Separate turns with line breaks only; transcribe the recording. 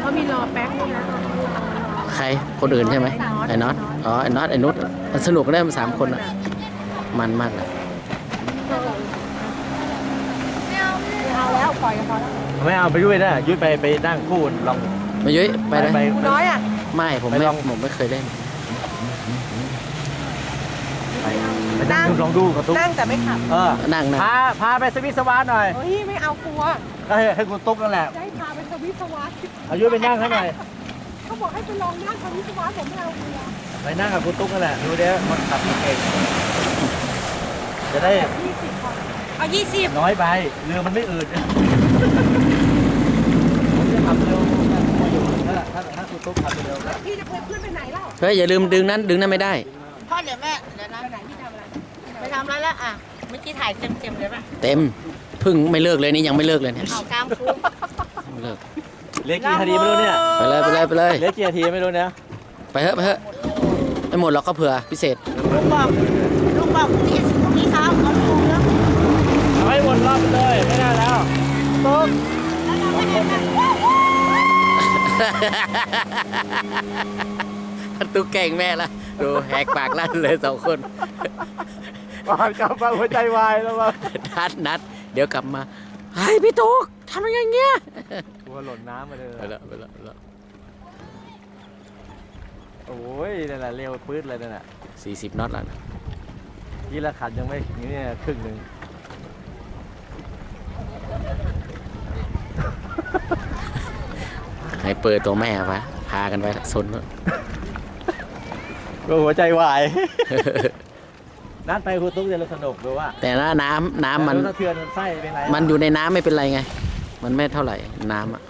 มีรอแป๊บนึงนะ
ใครคนอื่นใช่ไหมไอ้น็อตอ๋อไอ้น็อตไอ้นุชมันสนุกได้มัน3 คนอ่ะมันมากเลย
เอาแล้วปล่อยกันพอแล้ว
ไม่เอาไปยุ้ยนะยุ้ยไปนั่งคู่ลอง
มายุ้ยไปเลย
กูน้อยอ่ะ
ไม่ผมไม่เคยเล่น
ไปนั่งลองดูกระตุ้ก
นั่งแต่ไม่ขับ
นั่ง
พาไปสวิตสวาร์หน่อย
เฮ้ยไม่เอากลัว
ให้คุณตุ๊กนั่นแหละ
จะให้พาไปสวิตสวัสดิ์
เอายุ้ยไปนั่งให้หน่อย
เขาบอกให้ไปลองนั่งสวิตสวัสดิ์ผมไม่เอากลัว
ไปนั่งกับคุณตุ๊กนั่นแหละดูเดี๋ยวมันขับเก่งจะได้
20 ก่อนเอา20
น้อยไปเรือมันไม่อืดผมจะขับเร็วอยู่ถ้าคุณตุ๊กขับเร็วก็
พี่จะเคยขึ้นไปไหนเล่า
เฮ้ยอย่าลืมดึงนั้นไม่ได้
พ่อเดี๋ยวแม่เดี๋ยวนะ
ไปไหนพี่ทำอะไร
ไปทำอะไรแล้วอ่ะเมื่อกี้ถ่ายเต็มเลยป่ะ
เต็มพึ่งไม่เลิกเลยนี่ยังไม่เลิกเลยเนี่ย
เอากล้ามคุ้ม
ไม่เลิก
เหลือกี่นาทีไม่รู้เนี่ย
ไปเลย
เหลือกี่นาทีไม่รู้เนี่ย
ไปเถอะไม่หมดหรอกก็เผื่อพิเศษ
ลุงบอกพรุ่งนี้เช้าเอาลูกแล้ว
เอาให้วนรอบไปเลยไม่ได้แล้วตุ๊ก
ตุ๊กแกล้งแม่ละดูแหกปากลั่นเลย2 คน
วางกลับมาหัวใจวายแล้วมั้ง
นัดเดี๋ยวกลับมาเฮ้ยพี่ตุ๊กทำยังไงเงี้ย
กลัวหล่นน้ำมาเลย
ไปแล้ว
โอ้ยนั่นแหละเร็วปื๊ดเลยนั่นแหละ
40 น็อตแล้วนะ
ยี่ละขันยังไม่นี่ครึ่งหนึ่ง
ให้เปิดตัวแม่ปะพากันไปซน
ก็หัวใจวาย นัดไปคุณตุ๊กจะสนุกดูว่า
แต่น้ำมัน
สะเทือนไส้เป็นไร
มันอยู่ในน้ำไม่เป็นไรไง มันไม่เท่าไหร่น้ำอ่ะ